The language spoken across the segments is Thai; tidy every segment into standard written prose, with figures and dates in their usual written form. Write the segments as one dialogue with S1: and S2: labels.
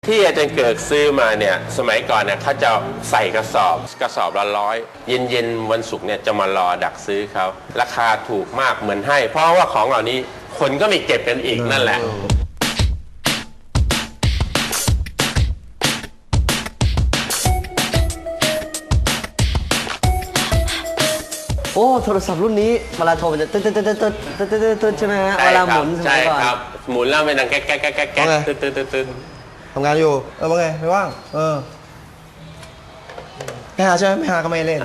S1: ที่อาจารย์เกิดซื้อมาเนี่ยสมัยก่อนเนี่ยเขาจะใส่กระสอบละ100เย็นวันศุกร์เนี่ยจะมารอดักซื้อเขาราคาถูกมากเหมือนให้เพราะว่าของเหล่านี้คนก็ไม่เก็บกันอีกนั่นแหละ
S2: โอ้โทรศัพท์รุ่นนี้เวลาโทรมันจะตึ๊ดใช่ไหมฮะเวลาหมุนสมัยก่อน
S1: ใช่ครับหมุนแล้วมันดังแก๊กตึ๊ด
S3: ทำงานอยู่ว่าไงไม่ว่างไม่หาใช่ไหมไม่หาก็ไม่เล่น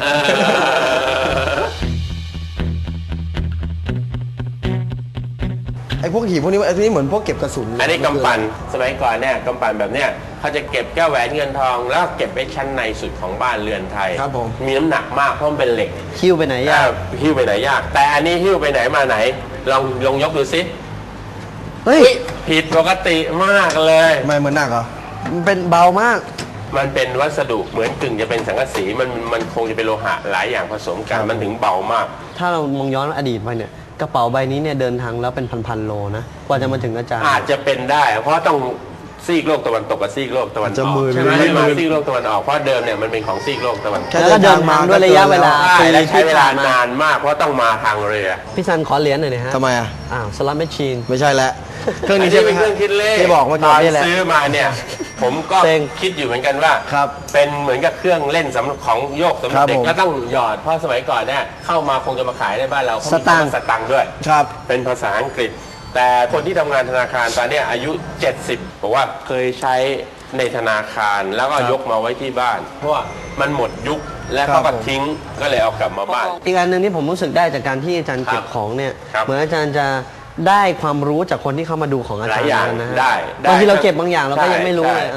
S3: ไอ้พวกหีบพวกนี้ไอ้ที่เหมือนพวกเก็บกระสุน
S1: อันนี้กำปั่นสมัยก่อนเนี่ยกำปั่นแบบเนี้ยเขาจะเก็บแก้วแหวนเงินทองแล้วเก็บไว้ชั้นในสุดของบ้านเรือนไทย
S3: ครับผม
S1: มีน้ำหนักมากเพราะมันเป็นเหล็ก
S2: หิ้วไปไหนยาก
S1: หิ้วไปไหนยากแต่อันนี้หิ้วไปไหนมาไหนลองยกดูสิ
S2: เฮ้ย
S1: ผิดปกติมากเลย
S3: ไม่เหมือนหนักเหรอ
S2: มันเป็นเบามาก
S1: มันเป็นวัสดุเหมือนกึ่งจะเป็นสังกะสีมันคงจะเป็นโลหะหลายอย่างผสมกันมันถึงเบามาก
S2: ถ้าเรามองย้อนอดีตไปเนี่ยกระเป๋าใบนี้เนี่ยเดินทางแล้วเป็นพันโลนะกว่าจะมาถึงอาจารย์
S1: อาจจะเป็นได้เพราะต้องซีกโลกตะวันตกกับซีกโลกตะวันออกใช่ไหมไม่มาซีกโลกตะวันออกเพราะเดิมเนี่ยมันเป็นของซีกโลกตะวันตก
S2: แล้วก็เดินทางด้วยระยะเวลา
S1: และใช้เวลานานมากเพราะต้องมาทางเรือ
S2: พี่ซันขอเหรียญหน่อยนะฮะ
S3: ทำไม
S2: สล็อตแมชชีน
S3: ไม่ใช่แล้วเครื่องนี้
S1: เป็นเครื่องคิดเลข
S3: ที่บอกว่า
S1: ตอนซื้อมาเนี่ยผมก็คิดอยู่เหมือนกันว่าเป็นเหมือนกับเครื่องเล่นสำหรับของโยกสำหรับเด็กแล้วต้องหยอดเพราะสมัยก่อนเนี่ยเข้ามาคงจะมาขายในบ้านเรา
S2: สตาง
S1: ค์ด้วยเป็นภาษาอังกฤษแต่คนที่ทำงานธนาคารตอนนี้อายุ70บอกว่าเคยใช้ในธนาคารแล้วก็ยกมาไว้ที่บ้านเพราะว่ามันหมดยุคและเขาก็ทิ้งก็เลยเอากลับมาบ้าน
S2: อีกอันหนึ่งที่ผมรู้สึกได้จากการที่อาจารย์เก็บของเนี่ยเหมือนอาจารย์จะได้ความรู้จากคนที่เข้ามาดูของอาจารย์นะฮะบางทีเราเก็บบางอย่างเราก็ยังไม่รู้เลย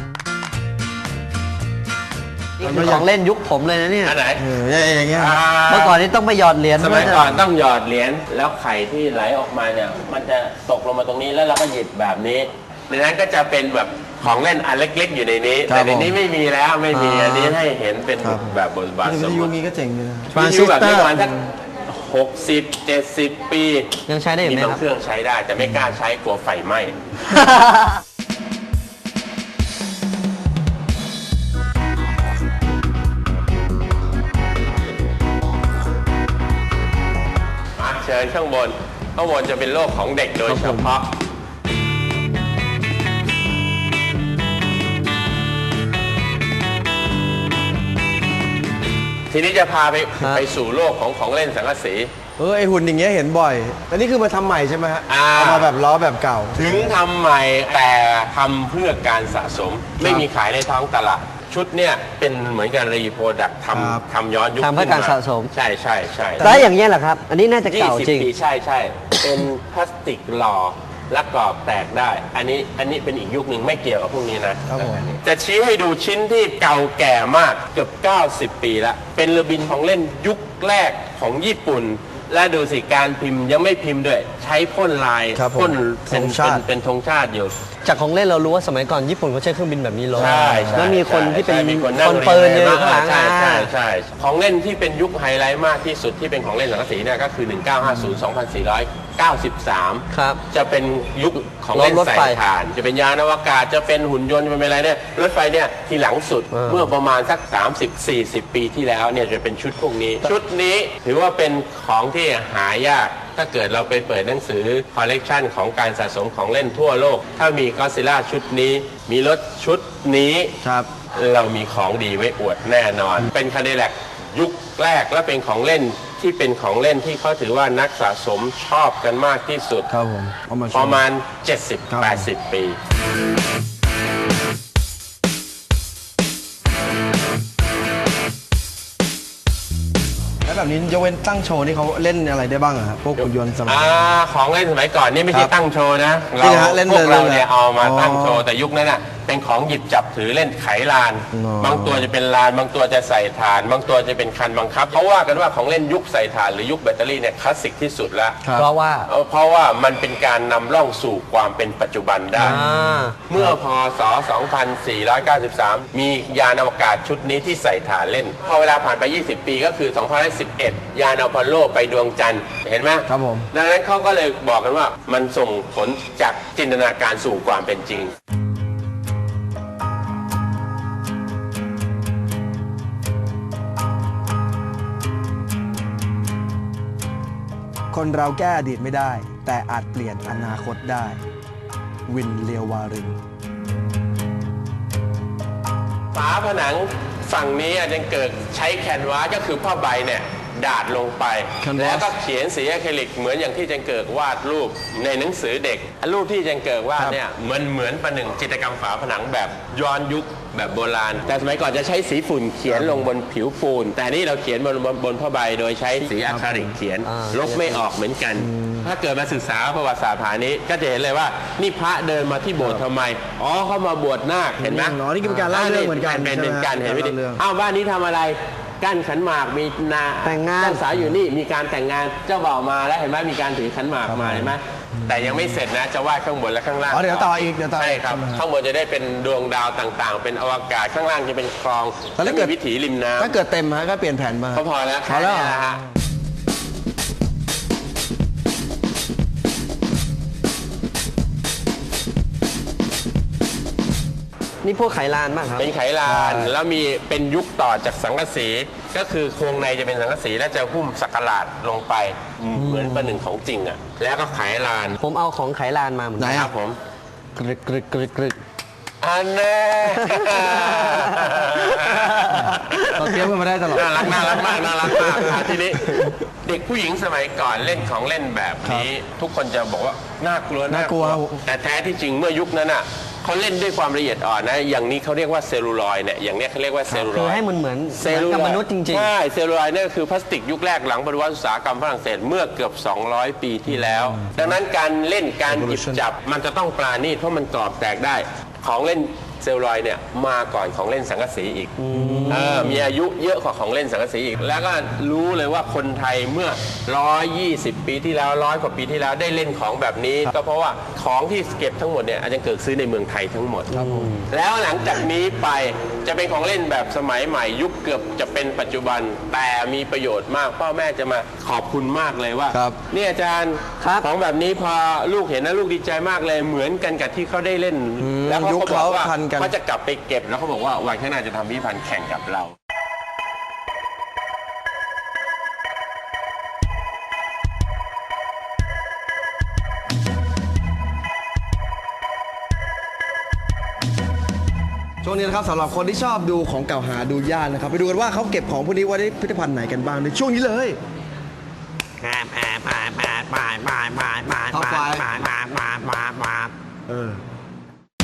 S2: นี่คือของเล่นยุคผมเลยนะเนี่ย
S1: อันไหน
S3: อย่างเงี้ย
S2: เมื่อก่อนนี่ต้องไปหยอดเหรียญ
S1: สมัยก่อนต้องหยอดเหรียญแล้วไข่ที่ไหลออกมาเนี่ยมันจะตกลงมาตรงนี้แล้วเราก็หยิบแบบนี้ในนั้นก็จะเป็นแบบของเล่นอันเล็กๆอยู่ในนี้แต่ในนี้ไม่มีแล้วไม่มีอันนี้ให้เห็นเป็นแบบบทบาทสมมติ
S3: นี้ก็เจ๋งเลยนะ
S1: วิทยุแบบนี้ประมาณสัก60-70 ปี
S2: ยังใช้ได้อยู่ไหมครับ
S1: มีบางเครื่องใช้ได้แต่ไม่กล้าใช้กลัวไฟไหม้เชิญข้างบนจะเป็นโลกของเด็กโดยเฉพาะทีนี้จะพาไปสู่โลกของเล่นสังกะสี
S3: ไอหุ่นอย่างเงี้ยเห็นบ่อยแต่นี่คือมาทำใหม่ใช่ไหมฮะเอามาแบบล้อแบบเก่า
S1: ถึงทำใหม่แต่ทำเพื่อการสะสมไม่มีขายในท้องตลาดชุดเนี่ยเป็นเหมือนกันรีโปรดักทำย้อนยุค
S2: ทำเพื่อการสะสม
S1: ใช่
S2: แต่อย่างเงี้ยแหละครับอันนี้น่าจะเก่าจริง
S1: ใช่เป็นพลาสติกหล่อและกรอบแตกได้อันนี้เป็นอีกยุคหนึ่งไม่เกี่ยวกับพวกนี้นะจะชี้ให้ดูชิ้นที่เก่าแก่มากเกือบ90 ปีแล้วเป็นเรือบินของเล่นยุคแรกของญี่ปุ่นและดูสิการพิมพ์ยังไม่พิมพ์ด้วยใช้พ่นลายพ่นเป็นธงชาติอยู่
S2: จากของเล่นเรารู้ว่าสมัยก่อนญี่ปุ่นเขาใช้เครื่องบินแบบนี้ลงแล้วมีคนที่เป็น
S1: คน
S2: ปืนอยู่ข้างหลัง
S1: ใช่ของเล่นที่เป็นยุคไฮไลท์มากที่สุดที่เป็นของเล่นสังกะสีเนี่ยก็คือ1950-2493
S2: ครับ
S1: จะเป็นยุคของเล่นใส่ถ่านจะเป็นยานอวกาศจะเป็นหุ่นยนต์จะเป็นอะไรเนี่ยรถไฟเนี่ยทีหลังสุดเมื่อประมาณสัก30-40 ปีที่แล้วเนี่ยจะเป็นชุดพวกนี้ชุดนี้ถือว่าเป็นของที่หายากถ้าเกิดเราไปเปิดหนังสือคอลเลกชันของการสะสมของเล่นทั่วโลกถ้ามีก็อดซิลล่าชุดนี้มีรถชุดนี้เรามีของดีไว้อวดแน่นอนเป็นคาเดแลกยุคแรกและเป็นของเล่นที่เป็นของเล่นที่เขาถือว่านักสะสมชอบกันมากที่สุดประมาณ 70-80 ปี
S3: แบบนี้ยกเว้นตั้งโชว์นี่เขาเล่นอะไรได้บ้างอะพวกหุ่นยนต์สมัย
S1: ของเล่นสมัยก่อนนี่ไม่ใช่ตั้งโชว์นะพวกเราเนี่ยเอามาตั้งโชว์แต่ยุคนั้นน่ะเป็นของหยิบจับถือเล่นไขลานบางตัวจะเป็นลานบางตัวจะใส่ถ่านบางตัวจะเป็นคันบังคับเขาว่ากันว่าของเล่นยุคใส่ถ่านหรือยุคแบตเตอรี่เนี่ยคลาสสิกที่สุดแล้ว
S2: เพราะ
S1: ว่ามันเป็นการนำล่องสู่ความเป็นปัจจุบันได้เมื่อพศ2493มียานอวกาศชุดนี้ที่ใส่ถ่านเล่นพอเวลาผ่านไป20 ปีก็คือ2011ยานอพอลโลไปดวงจันทร์เห็นไหม
S3: ครับผม
S1: ดังนั้นเขาก็เลยบอกกันว่ามันส่งผลจากจินตนาการสู่ความเป็นจริง
S3: คนเราแก้อดีตไม่ได้ แต่อาจเปลี่ยนอนาคตได้ วินเลียววาริน
S1: ฝาผนังฝั่งนี้อาจารย์เกิดใช้แคนวาสก็คือผ้าใบเนี่ยดาดลงไป
S3: Canvas
S1: แล้วก็เขียนสีอะคริลิกเหมือนอย่างที่อาจารย์เกิดวาดรูปในหนังสือเด็กรูปที่อาจารย์เกิดวาดเนี่ยมันเหมือนประหนึ่งจิตรกรรมฝาผนังแบบย้อนยุคแบบโบราณ แต่สมัยก่อนจะใช้สีฝุ่นเขียนลงบนผิวปูน แต่นี่เราเขียนบนผ้าใบโดยใช้สีอะคริลิกเขียนลบไม่ออกเหมือนกัน ถ้าเกิดมาศึกษาประวัติศาสตร์ผานี้ก็จะเห็นเลยว่านี่พระเดินมาที่โบสถ์ทำไมอ๋อเขามาบวชนาคเห็นไหม
S3: อ๋อนี่คือการเล่าเรื่องเหมือนกัน
S1: เป็นการเห็นไหม
S3: การเล่าเรื่อง
S1: อ้าวบ้านนี้ทำอะไรกั้นขันหมากมีนา
S2: แต่งงาน
S1: เจ้าสาวอยู่นี่มีการแต่งงานเจ้าบ่าวมาแล้วเห็นไหมมีการถือขันหมากมาเห็นไหมแต่ยังไม่เสร็จนะจะวาดข้างบนและข้างล่าง
S3: อ๋อเดี๋ยวต่ออีกเดี๋ยวต่ออีก
S1: ใช่ครับ
S3: ใช่ไหมครับ
S1: ข้างบนจะได้เป็นดวงดาวต่างๆ เป็นอวกาศข้างล่างจะเป็นคลอง
S3: แล้วถ้าเกิด
S1: มีวิถีริมน้ำ
S3: ถ้าเกิดเต็มฮะก็เปลี่ยนแผนมา
S1: ก็พอแล้ว
S3: พอแล้ว
S1: ค่นี้นะฮะ
S2: นี่พวกไขลานมากครับ
S1: เป็นไขลาน แล้วมีเป็นยุคต่อจากสังกะสีก็คือโครงในจะเป็นสังกะสีและจะหุ้มสักหลาดลงไปเหมือนประหนึ่งของจริงอ่ะแล้วก็ไขลาน
S2: ผมเอาของไขลานมาเหมือน
S3: ไหน
S2: กัน
S3: อะ
S1: ครับผม
S2: กรึกกรึกกรึกกรึก
S1: อันแน่
S3: เราเตรียมกันมาได้ตลอด
S1: น่ารักน่ารักมากน่ารักมากทีนี้เด็กผู้หญิงสมัยก่อนเล่นของเล่นแบบนี้ ทุกคนจะบอกว่าน่ากลัว
S3: น่ากลัว
S1: แต่แท้ที่จริงเมื่อยุคนั้นอ่ะเขาเล่นด้วยความละเอียดอ่อนนะอย่างนี้เขาเรียกว่าเซลลูลอยด์เนี่ยอย่างเนี้ยเขาเรียกว่าเซลลูล
S2: คือ
S1: อยด์
S2: ให้มันเหมือน
S1: เซลลู
S2: กับ
S1: ลอยด์
S2: มนุษย์จริง
S1: ใช่เซลลูลอยด์เนี่ยก็คือพลาสติกยุคแรกหลังปฏิวัติอุตสาหกรรมฝรั่งเศสเมื่อเกือบ 200 ปีที่แล้ว ดังนั้นการเล่นการหยิบ
S3: Revolution
S1: จับมันจะต้องปราณีตเพราะมันกรอบแตกได้ของเล่นเซลลูลอยด์เนี่ยมาก่อนของเล่นสังกะสีอีกมีอายุเยอะกว่าของเล่นสังกะสีอีก แล้วก็รู้เลยว่าคนไทยเมื่อ 120 ปีที่แล้ว100 กว่าปีที่แล้วได้เล่นของแบบนี้ ก็เพราะว่าของที่เก็บทั้งหมดเนี่ยอาจารย์เกิดซื้อในเมืองไทยทั้งหมด แล้วหลังจากนี้ไปจะเป็นของเล่นแบบสมัยใหม่ยุคเกือบจะเป็นปัจจุบันแต่มีประโยชน์มากพ่อแม่จะมาขอบคุณมากเลยว่า
S3: ครับ
S1: เนี่ยอาจารย์
S2: ครับ
S1: ของแบบนี้พอลูกเห็นนะลูกดีใจมากเลยเหมือนกันกับที่เขาได้เล่น แล้วเขา
S3: ยุค
S1: ก็บอกว่า
S3: เขาทันกัน
S1: เขาจะกลับไปเก็บแล้วเขาบอกว่าวันข้างหน้าจะทำพิพิธภัณฑ์แข่งกับเรา
S3: ช่วงนี้นะครับสำหรับคนที่ชอบดูของเก่าหาดูยากนะครับไปดูกันว่าเขาเก็บของพวกนี้ไว้ในพิพิธภัณฑ์ไหนกันบ้างในช่วงนี้เลย Top 5 เออ